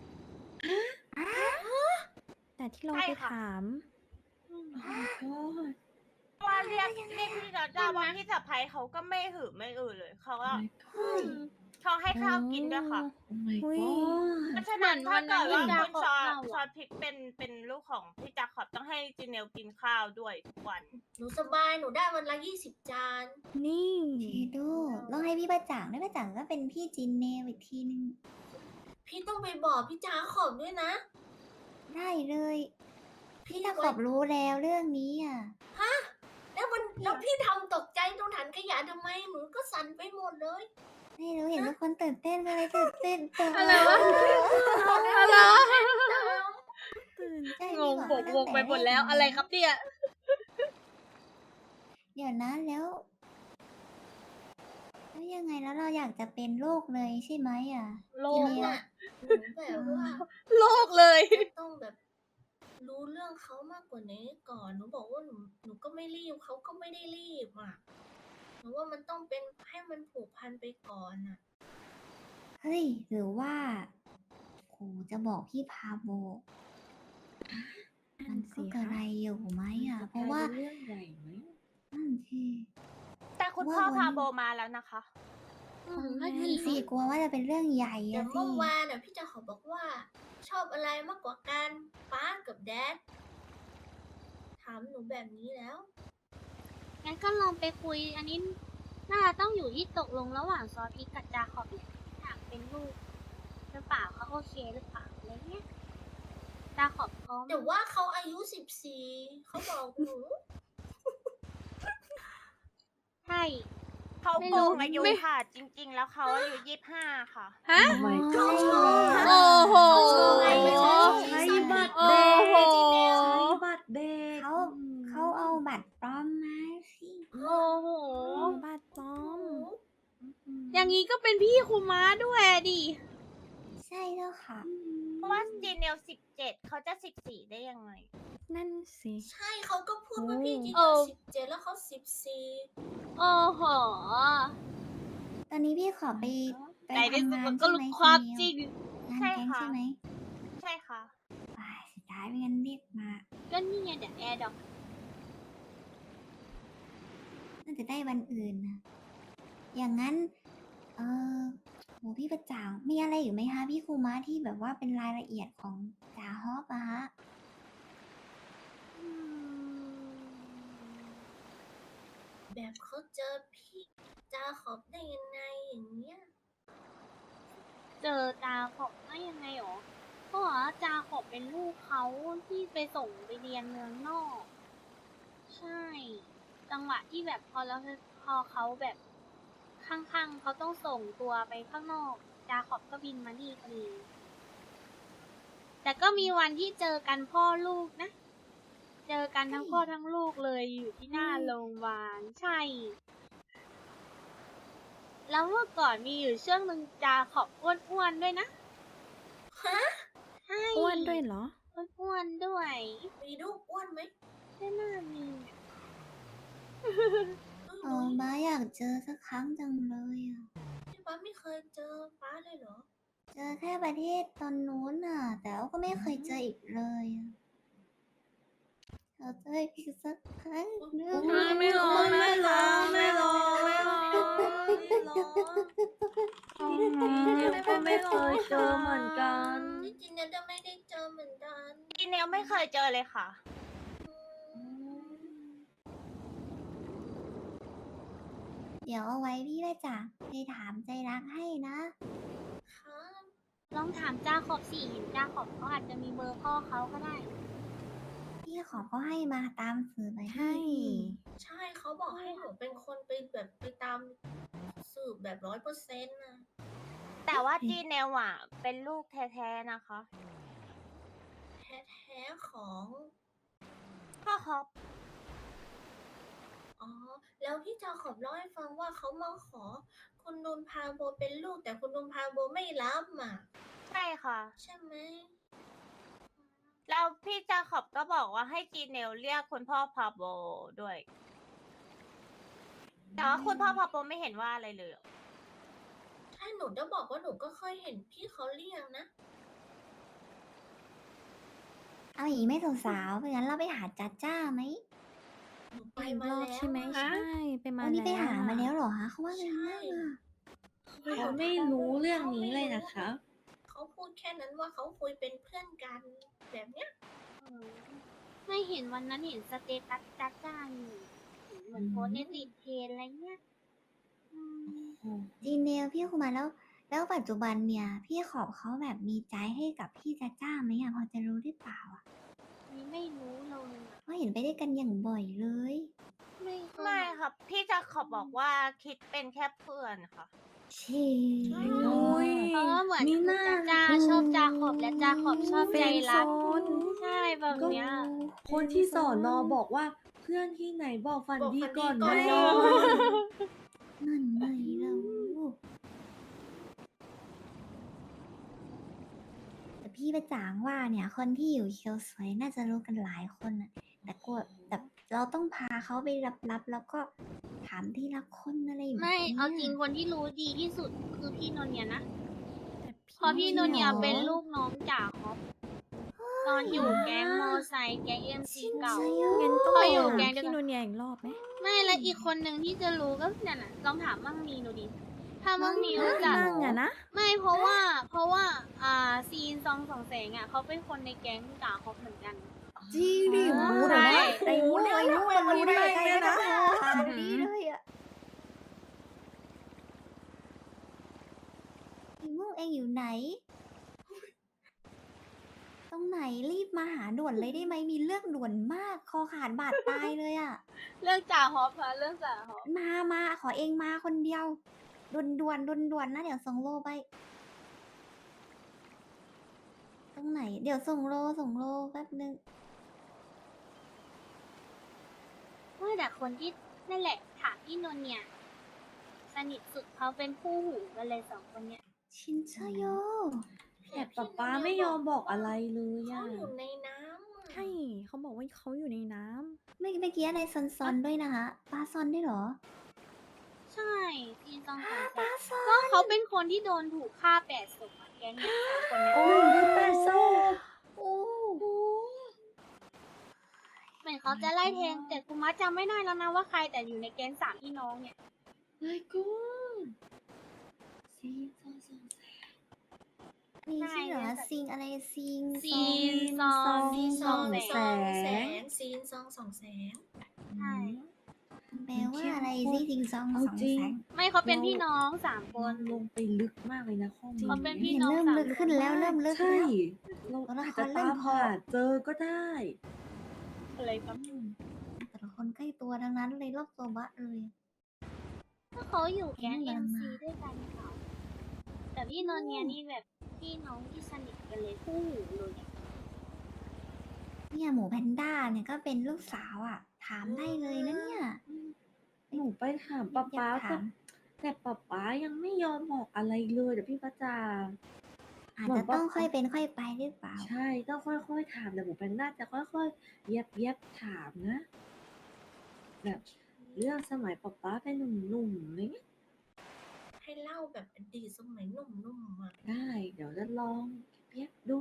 Speaker 6: แต่ที่เรา
Speaker 7: ใช่
Speaker 6: ไป
Speaker 7: ค่ะ
Speaker 6: ถาม
Speaker 4: อืม
Speaker 7: ว่าเรียกเรียกพี่จาจ้าว่าพี่สะพ้ยเขาก็ไม่หือไม่อือเลยเขาก็เขาให้ข้าวกินด้วยค่ะ
Speaker 6: อุ้ย
Speaker 7: เพราะฉะนั้นถ้าเกิดว่า
Speaker 4: เหมือนวันนั้น
Speaker 7: คุณชอ
Speaker 4: ที่จาขอบ
Speaker 7: ชอพริกเป็นเป็นลูกของพี่จาขอบต้องให้จีเนลกินข้าวด้วยทุกวัน
Speaker 2: หนูสบาย หนูได้วันละยี่สิบจาน
Speaker 6: นี่
Speaker 3: เชโดต้องให้พี่ประจังด้วยประจังก็เป็นพี่จินเนลอีกทีนึง
Speaker 2: พี่ต้องไปบอกพี่จาขอบด้วยนะ
Speaker 3: ได้เลย
Speaker 2: พี่
Speaker 3: พี่ตะข
Speaker 2: ไว้
Speaker 3: อบรู้แล้วเรื่องนี้อ่ะ
Speaker 2: แล้วมันแล้วพี่ทำตกใจตรงถังขยะทำไม หนูก็สั่นไปหมดเลย
Speaker 3: ไม่รู้เห็นทุกคนตื่นเต้นก็เลยตื่นเต้นตาม
Speaker 4: อะไรวะ อะไรวะ
Speaker 6: ตื่น
Speaker 3: ใช่
Speaker 4: ง
Speaker 3: พี่
Speaker 4: ง
Speaker 3: บอก
Speaker 4: บก
Speaker 3: ตั้
Speaker 4: ว
Speaker 3: ง
Speaker 4: ง
Speaker 3: แต่
Speaker 4: ไปหมดแล้ว
Speaker 3: แก
Speaker 4: อะไรครับเนี่ย
Speaker 3: เดี๋ยวนะแล้วแล้วยังไงแล้วเราอยากจะเป็นโรคเลยใช่ไหมอ่ะ
Speaker 4: โล
Speaker 3: ที
Speaker 4: ก
Speaker 3: เนี้ย
Speaker 2: น่ะหนูแบบว่า
Speaker 4: โลกเลย
Speaker 2: จะต้องแบบรู้เรื่องเขามากกว่านี้ก่อน หนูบอกว่าหนูหนูก็ไม่รีบเขาก็ไม่ได้รีบอ่ะ หนูว่ามันต้องเป็นให้มันผูกพันไปก่อนอ่ะ
Speaker 3: เฮ้ยหรือว่าโหจะบอกพี่พาโบ
Speaker 6: นั่
Speaker 3: มัน น
Speaker 6: สิ
Speaker 3: ก็กระ
Speaker 6: คะ
Speaker 3: ไรอยู่ไหมอ่ะ เพราะว่า
Speaker 5: เรื่องใหญ่ไหม
Speaker 3: นั่นสิ
Speaker 7: แต่คุณ
Speaker 3: ว่า
Speaker 7: พ่อ
Speaker 3: วัน
Speaker 7: พาโบมาแล้วนะคะ
Speaker 4: อืม
Speaker 3: นั่
Speaker 4: นั่
Speaker 3: น
Speaker 4: น
Speaker 3: สิ
Speaker 4: สิ
Speaker 3: กลัวว่าจะเป็นเรื่องใหญ่
Speaker 2: แต่
Speaker 3: อะสิ
Speaker 2: เมื่อวานน่ะพี่จะขอบอกว่า ชอบอะไรมากกว่ากันป้ากับแดดถามหนูแบบนี้แล้ว
Speaker 4: งั้นก็ลองไปคุย อันนี้น่าจะต้องอยู่ที่ตกลงระหว่างซอสพริกกับจาขอบเนี่ยอยากเป็นลูกหรือเปล่าเขาโอเคหรือเปล่าอะไรเงี้ยจาขอบพร้อม
Speaker 2: แต่ว่าเขาอายุสิบสี่เขาบอกหนู
Speaker 4: ใช่
Speaker 7: เขา
Speaker 4: ไม่
Speaker 7: โก
Speaker 4: รู้
Speaker 7: งอายุ
Speaker 4: ไม่
Speaker 7: ค่ะ จริง ๆ แล้วเขาอายุยี่สิบห้าค่ะ
Speaker 4: ฮะ
Speaker 5: Oh my
Speaker 3: ใช่
Speaker 5: god
Speaker 3: แล้ว
Speaker 4: โอ้โห
Speaker 5: ใช้บัตร
Speaker 4: โอ้
Speaker 5: เด็ก
Speaker 4: โห
Speaker 5: ใช้บัตรเด็ก
Speaker 3: เขาเขาเอาบัตรปลอมมาสิ
Speaker 4: โอ้โห
Speaker 6: บัตรปลอม
Speaker 4: อย่างนี้ก็เป็นพี่คุม้าด้วยอะดิ
Speaker 3: ใช่แล้วค่ะ
Speaker 7: เพราะว่าจีเนลสิบเจ็ดเขาจะสิบสี่ได้ยังไง
Speaker 6: นั่นสิ
Speaker 2: ใช่เขาก็พูดว่าพี่จี
Speaker 4: โอ้
Speaker 2: นสิบเจ็ดแล้วเขาสิบสี่
Speaker 4: โอ้โห
Speaker 3: ตอนนี้พี่ขอไปไป
Speaker 4: ในที่
Speaker 3: ทำ
Speaker 4: สุด
Speaker 3: งาน
Speaker 4: มันก็
Speaker 3: ใช่
Speaker 4: รู้
Speaker 3: ไหม
Speaker 4: ความ
Speaker 3: คุณ
Speaker 4: จริ
Speaker 3: เม
Speaker 4: ง
Speaker 3: ลงาน
Speaker 7: ใช่
Speaker 3: แก๊ง
Speaker 7: ค่ะ
Speaker 3: ใช่ไหม
Speaker 7: ใช่ค่ะ
Speaker 3: ว้ายสุดท้ายไม่งั้นเรียกมา
Speaker 4: ก็นี่ไงเดี๋ยวแอร์ดอก
Speaker 3: น่าจะได้วันอื่นนะอย่างนั้น เออโหพี่ประจ่างมีอะไรอยู่ไหมคะพี่ครูม้าที่แบบว่าเป็นรายละเอียดของจ่าฮอปอะฮะ
Speaker 2: แบบเขาเจอพี่จาขอบได้ยังไงอย่างเงี้ย
Speaker 4: เจอจาขอบได้ยังไงหรอก็บอกว่าจาขอบเป็นลูกเขาที่ไปส่งไปเรียนเมืองนอก ใช่ จังหวะที่แบบพอแล้วพอเขาแบบข้างๆเขาต้องส่งตัวไปข้างนอก จาขอบก็บินมานี่พอดี แต่ก็มีวันที่เจอกันพ่อลูกนะ เจอกันทั้งพ่อทั้งลูกเลยอยู่ที่หน้าโรงพยาบาลใช่ แล้วเมื่อก่อนมีอยู่ช่วงหนึ่งจาขอบอ้วนๆด้วยนะ
Speaker 2: ฮะ
Speaker 4: ใช่
Speaker 6: อ้วนด้วยเหรอ
Speaker 4: อ้วนๆด้วย
Speaker 2: มีลูกอ้วนไหม
Speaker 4: ไม่น่ามี
Speaker 3: เออม้าอยากเจอสักครั้งจังเลยอ่ะ
Speaker 2: พี่ป้าไม่เคยเจอป้าเลยเหรอ
Speaker 3: เจอแค่ประเทศตอนนู้นน่ะ แต่ว่าก็ไม่เคยเจออีกเลยอะเราเจออีกสักครั้งหนึง
Speaker 5: ไม่ร้องไม่ร้องไม่ร้องไม่ร้องไม่ร้องก็ไม่เคยเจอเหมือนกัน
Speaker 2: จริงๆเนี่ยจะไม่ได้เจอเหมือนกัน
Speaker 7: จีเนลไม่เคยเจอเลยค่ะ
Speaker 3: เดี๋ยวเอาไว้พี่ประจ่างไปถามใจรักให้นะ
Speaker 2: ครับ
Speaker 4: ลองถามจาขอบสิเห็นจาขอบเขาอาจจะมีเบอร์พ่อเขาก็ได้
Speaker 3: พี่ขอก็ให้มาตามสื่อไป
Speaker 6: ใช่
Speaker 3: ให้พี่
Speaker 2: ใช่เขาบอกให้หนูเป็นคนไปแบบไปตามสืบแบบร้อยเปอร์เซ็นต์นะ
Speaker 7: แต่ว่าจีเนลอ่ะ เป็นลูกแท้ๆนะคะ
Speaker 2: แท้ๆของ
Speaker 7: พ่อฮอป
Speaker 2: อ๋อแล้วพี่จาขอบเล่าให้ฟังว่าเขามาขอคุณนุนพาโบเป็นลูกแต่คุณนุนพาโบไม่รับอ่ะ
Speaker 7: ใช่ค่ะ
Speaker 2: ใช่ไหม
Speaker 7: แล้วพี่จาขอบก็บอกว่าให้จีเนลเรียกคุณพ่อพาโบด้วย แต่ว่าคุณพ่อพาโบไม่เห็นว่าอะไรเลยอะ
Speaker 2: ถ้าหนูจะบอกว่าหนูก็เคยเห็นพี่เขาเรียกนะ
Speaker 3: เอาอย่างนี้ไม่สาวๆเพราะงั้นเราไปหาจ้าจ้าไหม
Speaker 2: หนูไป
Speaker 6: อีก
Speaker 2: มาร
Speaker 6: อบ
Speaker 2: แล้ว
Speaker 6: ใช่ไหม
Speaker 2: อะ
Speaker 6: ใช่ไปมา
Speaker 3: วันนี้ไป
Speaker 6: แล้ว
Speaker 3: หามา
Speaker 6: อะ
Speaker 3: แล้วเหรอคะเขาว่าไงบ้างอะ
Speaker 5: เขาไม่รู้เรื่องนี้เลยนะคะ
Speaker 2: เขาพูดแค่นั้นว่าเขาคุยเป็นเพื่อนกันแบบเนี้ย
Speaker 4: เออไม่เห็นวันนั้นเห็นสเตตัสจ้าจ้าอยู่เหมือนโพสต์ในติดเทรนด์อะไรเงี้ยอืม
Speaker 3: จีเนลพี่คุมาแล้ว แล้วปัจจุบันเนี่ย พี่ขอบเขาแบบมีใจให้กับพี่จ้าจ้าไหมอะพอจะรู้หรือเปล่าอะ
Speaker 4: นี่ไม่รู้เลยอะ
Speaker 3: เพราะเห็นไปด้วยกันอย่างบ่อยเลย
Speaker 4: ไม่เคย
Speaker 7: ไม่ครับ พี่จาขอบบอกว่าคิดเป็นแค่เพื่อนค่ะ
Speaker 3: เช่
Speaker 6: อุ้ย
Speaker 4: เพราะว่าเหมือน
Speaker 5: มี
Speaker 4: คุณ
Speaker 5: หน้า
Speaker 4: จ้าจ้าชอบจาขอบและจาขอบชอบ
Speaker 6: เฟ
Speaker 4: ใจ
Speaker 6: รนด์โซ
Speaker 4: รัก
Speaker 6: น
Speaker 4: ใช่แบบเนี้ย
Speaker 5: คนที่สอนนอบอกว่าเพื่อนที่ไหนบอกฝัน
Speaker 2: บอก
Speaker 5: ดี
Speaker 2: ฝันดี
Speaker 5: ก่อน
Speaker 2: ก่อน
Speaker 5: น
Speaker 2: น
Speaker 5: อ
Speaker 2: อน
Speaker 5: น
Speaker 3: นั่นไงเราแต่พี่ประจางว่าเนี่ย คนที่อยู่เคียวสวยน่าจะรู้กันหลายคนอะแต่กลัวแต่เราต้องพาเขาไปรับๆแล้วก็ถามทีละคนอะไรแบบ
Speaker 4: ไม่
Speaker 3: นี้ย
Speaker 4: เอาจริงคนที่รู้ดีที่สุดคือพี่นนท์เนี่ยนะ
Speaker 6: แต่
Speaker 4: เพราะพี่นนท์เนี่ย
Speaker 3: เหรอ
Speaker 4: เป็นลูกน้องจ่าคอปตอนอยู่แก๊งมอไซค์แก๊งเอ็มซีเก่า
Speaker 6: งั้นต้อง
Speaker 4: เขา
Speaker 6: ไป
Speaker 4: อยู่
Speaker 6: ถาม
Speaker 4: แก๊งเดียวกัน
Speaker 6: พี่นุ่นเนี่ยอีกรอบไหม
Speaker 4: ไม่และอีกคนหนึ่งที่จะรู้ก็นั่นน่ะลองถามมั่งมีดูดิ ถ้ามั่งมีรู้จัก
Speaker 6: นั่งอะนะ
Speaker 4: ไม่เพราะว่าเพราะว่าอ่าซีนซองสองแสงอ่ะเขาเป็นคนในแก๊งจ่าคอปเหมือนกัน
Speaker 3: จริงดิ
Speaker 4: อ๋อ
Speaker 3: โอ้โหเดี๋ยวนะ
Speaker 4: ใช่
Speaker 3: ไอ้งูไอ้งูมันรู้ได้ไงนะ
Speaker 6: อืม
Speaker 3: ผ่านดีเลยอะไอ้งูเองอยู่ไหน ตรงไหนรีบมาหาด่วนเลยได้ไหมมีเรื่องด่วนมาก คอขาดบาดตายเลยอะ
Speaker 4: เรื่องจ่าฮอปค่ะเรื่องจ่าฮอป
Speaker 3: มามาขอเองมาคนเดียวด่วนด่วนด่วนด่วนๆนะเดี๋ยวส่งโลไป ตรงไหน เดี๋ยวส่งโลส่งโลแป๊บนึง
Speaker 4: ว่าแต่คนที่นั่นแหละถามพี่นนท์เนี่ย สนิทสุดเขาเป็นคู่หูกันเลยสองคนเนี่ย
Speaker 3: ชินเชโย
Speaker 5: แต่ป๊าป๊าไม่ยอมบอกอะไรเลย
Speaker 2: เขา
Speaker 5: อะ
Speaker 2: อยู่ในน้ำอะ
Speaker 6: ใช่ เขาบอกว่าเขาอยู่ในน้ำ
Speaker 3: ไม่เมื่อกี้อะไรซอนซอนๆด้วยนะคะปลาซอนด้วยเหรอ
Speaker 4: ใช่ซีนซองสองแส
Speaker 3: ปลาง ซอน
Speaker 4: ก็เขาเป็นคนที่โดนถูกฆ่าแปดศพอะแก๊งเนี่ยสามคนเนี่ย
Speaker 5: โอ้ยได้แปดศพ
Speaker 3: โอ้โห
Speaker 4: เหมือนเขาจะไล่แทงแต่กูมัดจำไม่ได้แล้วนะว่าใครแต่อยู่ในแก๊งสามพี่น้องเนี่ย
Speaker 5: My God ซีซองสองแสน
Speaker 3: มีชื่อเหรอซิงอะไรซิง
Speaker 4: ซีนซอง
Speaker 2: ซีนซอง
Speaker 4: แส
Speaker 2: สอง
Speaker 4: ง
Speaker 2: แสนซีนซองสองแสน
Speaker 4: ใช่
Speaker 3: แปลว่าอะไรซิซิงซอง
Speaker 5: เอา
Speaker 3: สอง
Speaker 5: จริง
Speaker 3: แสง
Speaker 4: ไม่เขาเป็นพี่น้องสามค
Speaker 5: มัน นลงไปลึกมากเลยนะข้อมูล
Speaker 4: เขาเป็นพี่
Speaker 3: เห็น
Speaker 4: น้อง
Speaker 3: เริ่ม
Speaker 4: สาม
Speaker 3: ลึกขึ้นแล้วเริ่มลึก
Speaker 5: ใช่
Speaker 3: แล้ว
Speaker 5: เรา
Speaker 3: ตัวละ
Speaker 5: อาจ
Speaker 3: ค
Speaker 5: จะ
Speaker 3: รเริ่
Speaker 5: ตาม ม
Speaker 3: พอ
Speaker 5: หาเจอก็ได้
Speaker 4: อะไรครับ
Speaker 3: แต่ละคนใกล้ตัวทั้งนั้นเลยรอบตัวบะเลย
Speaker 4: ถ้าเขาอยู่แก๊ง
Speaker 3: เพิ่
Speaker 4: เอ็
Speaker 3: ง
Speaker 4: ม
Speaker 3: มา
Speaker 4: ซีด้วยกันเขาแต่พี่นนท์เนี่ยนี่แบบพี่น้องที่สนิทกันเลยคู่หูเลยอะ
Speaker 3: เนี่ยหมูแพนด้าเนี่ยก็เป็นลูกสาวอ่ะ ถามได้เลยนะเนี่ย
Speaker 5: หนูไปถามป๊าป๊า
Speaker 3: อยากถาม
Speaker 5: แต่ป๊าป๊ายังไม่ยอมบอกอะไรเลยเดี๋ยวพี่ประจา
Speaker 3: อาจจะต้องค่อยเป็นค่อยไปหรือเปล่า
Speaker 5: ใช่ต้องค่อยๆถามแต่หมูแพนด้าจะค่อยๆเย็บเย็บๆถามนะ แบบเรื่องสมัยป๊าป๊าเป็นหนุ่มๆอะไรเงี้ย
Speaker 2: ให้เล่าแบบอดีตสมัยหนุ่มๆอ่ะ
Speaker 5: ได้ เดี๋ยวจะลองเย็บๆดู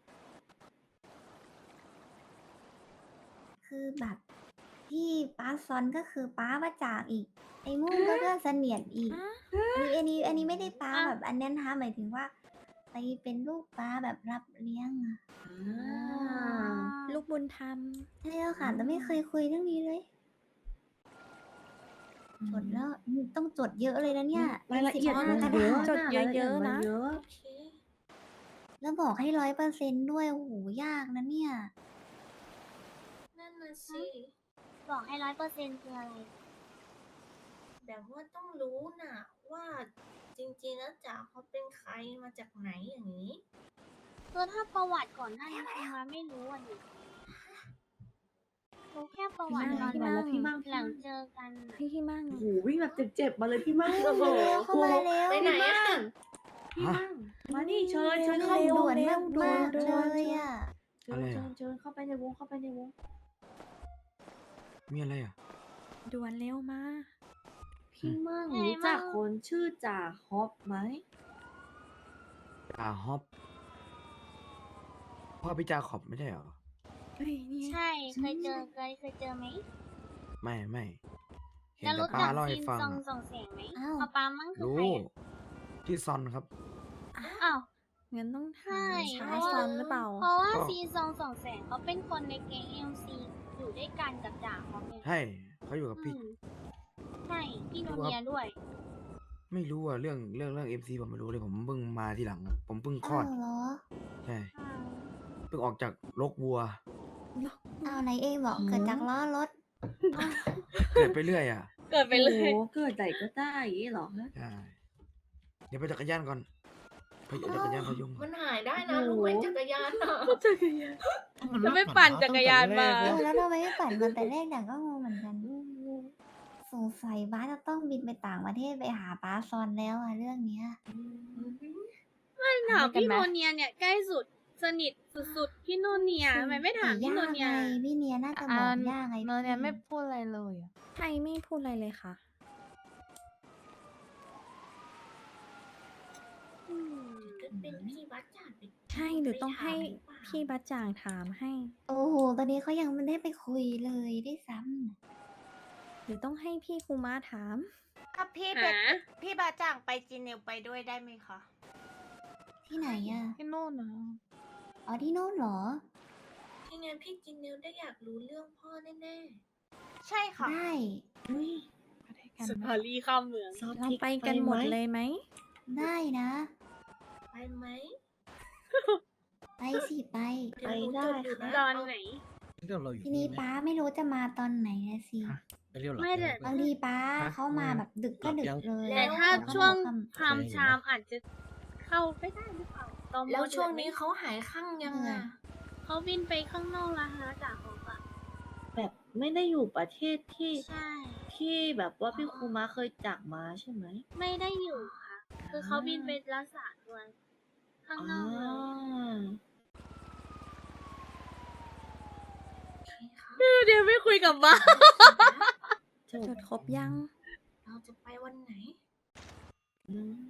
Speaker 3: คือแบบที่ป้าซอนก็คือป้าประจากอีก ไอ้มุ่งก็เพื่อนเสนียดอีก อันนี้อันนี้อันนี้ไม่ได้ป้าแบบอันนั้นนะคะหมายถึงว่าไปเป็นลูกป้าแบบรับเลี้ยงอะ
Speaker 5: อ่า
Speaker 6: ลูกบุญธรรม
Speaker 3: ใช่แล้วค่ะแต่ไม่เคยคุยเรื่องนี้เลย จดแล้วอืมต้องจดเยอะเลยนะเนี่ย
Speaker 5: รายละเอียด
Speaker 3: สิบ
Speaker 5: มั
Speaker 3: ห้าน กระ
Speaker 5: เย
Speaker 3: ดา
Speaker 5: อะ
Speaker 3: ษ
Speaker 6: จด
Speaker 5: รายล
Speaker 6: เยอะๆ
Speaker 5: มั
Speaker 6: นะ
Speaker 5: เยอะ
Speaker 2: โอเค
Speaker 3: แล้วบอกให้ร้อยเปอร์เซนด้วยโอ้โหยากนะเนี่ย
Speaker 2: นั่นน่ะสิ
Speaker 4: บอกให้ร้อยเปอร์เซ็นต์คืออะไร
Speaker 2: แบบว่าต้องรู้น่ะ ว่าจริงๆแล้วจ๋าเขาเป็นใครมาจากไหนอย่างนี้
Speaker 4: คือถ้าประวัติก่อนหน้านี้คุณมาไม่รู้อ่ะดิ
Speaker 2: ป
Speaker 4: รู้แค่ประวัติตอน
Speaker 5: พี่มั่งแล้วพี่มั่ง
Speaker 4: หลังเจอกันน่ะ
Speaker 6: พี่ที่มั่ง
Speaker 5: โอ้โหวิ่งแบบเจ็บๆมาเลยพี่มั่ง
Speaker 3: โอ้โหเข้ามาเร็ว
Speaker 2: ไปไหน
Speaker 5: พี่
Speaker 2: อะ
Speaker 5: มั่งพี่มั่งมานี่เชิญเชิญเข้า
Speaker 3: ด่
Speaker 5: ด่
Speaker 3: ว
Speaker 5: วน น
Speaker 3: มากมากๆเลยอ่ะ
Speaker 5: เชิญเชิญเชิญเข้าไปในวงเข้าไปในวง
Speaker 9: มีอะไรอ่ะ
Speaker 6: ด่วนเร็วมา
Speaker 5: พี่มั่ง
Speaker 4: ไง
Speaker 5: รู้จัก
Speaker 4: มั่ง
Speaker 5: คนชื่อจ่าฮอปไหม
Speaker 9: จ่าฮอปพ่อพี่จาขอบไม่ใช่เหรอ
Speaker 6: เฮ้ยนี่
Speaker 4: ใช่ เคยเจอเคยเคยเจอไหม
Speaker 9: ไม่ไม่เห็น
Speaker 4: แล้ว
Speaker 9: แต่
Speaker 4: รู้
Speaker 9: ป้า
Speaker 4: จัก
Speaker 9: เล่าให้
Speaker 4: ซีน
Speaker 9: ฟัง
Speaker 4: ซอง
Speaker 9: อะ
Speaker 4: ส่องแสงไหม
Speaker 3: อ้าว
Speaker 4: ป้าป้ามั่งคือ
Speaker 9: รู้
Speaker 4: ใครอะ
Speaker 9: ที่ซอนครับ
Speaker 4: อ้าว
Speaker 6: งั้นต้องถา
Speaker 4: ใช่
Speaker 6: ม
Speaker 4: เพ
Speaker 6: ชาย
Speaker 4: ราะ
Speaker 6: ซ
Speaker 4: ว่า
Speaker 6: อนหรือเปล่า
Speaker 4: เพราะว่า
Speaker 9: ก็
Speaker 4: ซีซองส่องแสงเขาเป็นคนในแก๊งเอ็มซีอยู่ด้วยกันกับจ่าเขาไง
Speaker 9: ใช่เขาอยู่กับ
Speaker 4: อื
Speaker 9: พี่
Speaker 4: มใช่พี่โน
Speaker 9: รู้ครับ
Speaker 4: เนียด้วย
Speaker 9: ไม่รู้อ่ะเรื่องเรื่องเรื่องเอ็มซีผมไม่รู้เลยผมเพิ่งมาทีหลังอะผมเพิ่งคลอ
Speaker 3: อ้า
Speaker 9: ด
Speaker 3: วเหรอ
Speaker 9: ใช่เพิ่งออกจากลกวัว
Speaker 3: อ้าวไหนเองบอกเกิดจากล้อรถ
Speaker 9: เกิดไปเรื่อยอ่ะ
Speaker 4: เกิดไปเลย
Speaker 5: โอ้โหเกิดไหนก็ได้อย่างนี้เหรอฮะ
Speaker 9: ใช่เดี๋ยวไปจักรยานก่อนไปจักรยานพยุงก่
Speaker 2: มั
Speaker 9: อน
Speaker 2: นหายได้นะรู้ไหมจักรยานอ่ะ
Speaker 4: แล้วไม่ปั่นจักรยานมา
Speaker 3: เออแล้วทำไมไม่ปั่นมันแต่แรกแต่ก็งงเหมือนกัน สงสัยบ้าสจะต้องบินไปต่างประเทศไปหาป้าซอนแล้วอะเรื่องเนี้ย
Speaker 4: ไม่ถามพี่โนเนียเนี่ยใกล้สุดสนิทสุดๆพี่โนเนียทำไมไม่ถามพี่โนเนีย
Speaker 3: ยากไงพี่เนียน่าจะบอกยากไง
Speaker 10: เนยเนี่ย
Speaker 3: พี่
Speaker 10: ไม่พูดอะไรเลยอะ
Speaker 6: ไทยไม่พูดอะไรเลยค่ะ
Speaker 4: อืม
Speaker 2: ก็เป็นพี่วัดจ่าไป
Speaker 6: ใช่หรือต้องให้
Speaker 2: ไปถามรือเปล่า
Speaker 6: พี่บัจจางถามให้
Speaker 3: โอ้โห ตอนนี้เขายังไม่ได้ไปคุยเลยได้วยซ้ำน่ะ
Speaker 6: หรือต้องให้พี่คูมาถาม
Speaker 7: ถ้าพี่เป็น
Speaker 4: หา
Speaker 7: พี่บาจ่างไปจีเนลไปด้วยได้ไหมคะ
Speaker 3: ที่ไหนอะ
Speaker 10: ที่โน่นนะ
Speaker 3: อ๋อที่โน่นเหรอ
Speaker 2: ที่งั้นพี่จินนิวได้อยากรู้เรื่องพ่อแน่
Speaker 7: ใช่ค่ะ
Speaker 3: ได้
Speaker 5: อุ้ย
Speaker 10: ไปด้วยกัน
Speaker 4: ส
Speaker 10: ไหม
Speaker 4: ภารีข้ามเมือง
Speaker 5: ซอส
Speaker 6: เรา
Speaker 5: พริก
Speaker 6: ไปกันหมดเลยไหม
Speaker 3: ได้นะ
Speaker 2: ๆ ไปไหม
Speaker 3: ไปสิไป
Speaker 2: เดี๋ยวหนูจดอยู่นะ
Speaker 4: ตอนไหน
Speaker 1: เรื่องเราอยู่
Speaker 3: ทีนี้
Speaker 1: ไหม
Speaker 3: ป้าไม่รู้จะมาตอนไหนนะสิ
Speaker 1: ฮะ ไปเรียวหรอ
Speaker 4: ไม่แต่
Speaker 3: บางทีป้าเขามาแบบดึกก็ดึกเลย
Speaker 4: แต่ถ้า
Speaker 3: แล้วก็
Speaker 4: ช่วง
Speaker 3: ค่ำ
Speaker 4: พรามชามอาจจะเข้าไม่ได้หรือเปล่าตอม
Speaker 2: แล้วช่วง
Speaker 4: ดือดไหม
Speaker 2: นี้เขาหายข้างยัง
Speaker 3: เออ
Speaker 2: อ่ะ
Speaker 4: เขาบินไปข้างนอกแล้วฮะจ่าของอะ
Speaker 5: แบบไม่ได้อยู่ประเทศที่
Speaker 4: ใช่
Speaker 5: ที่แบบว่าพี่ครูมาเคยจากมาใช่ไหม
Speaker 4: ไม่ได้อยู่ค่ะ คือเขาบินไปรักษาตัวข้างนอกเลย เดี๋ยวไม่คุยกับบ้า
Speaker 5: จ
Speaker 6: จดครบยัง
Speaker 2: เราจะไปวันไหน
Speaker 5: อืม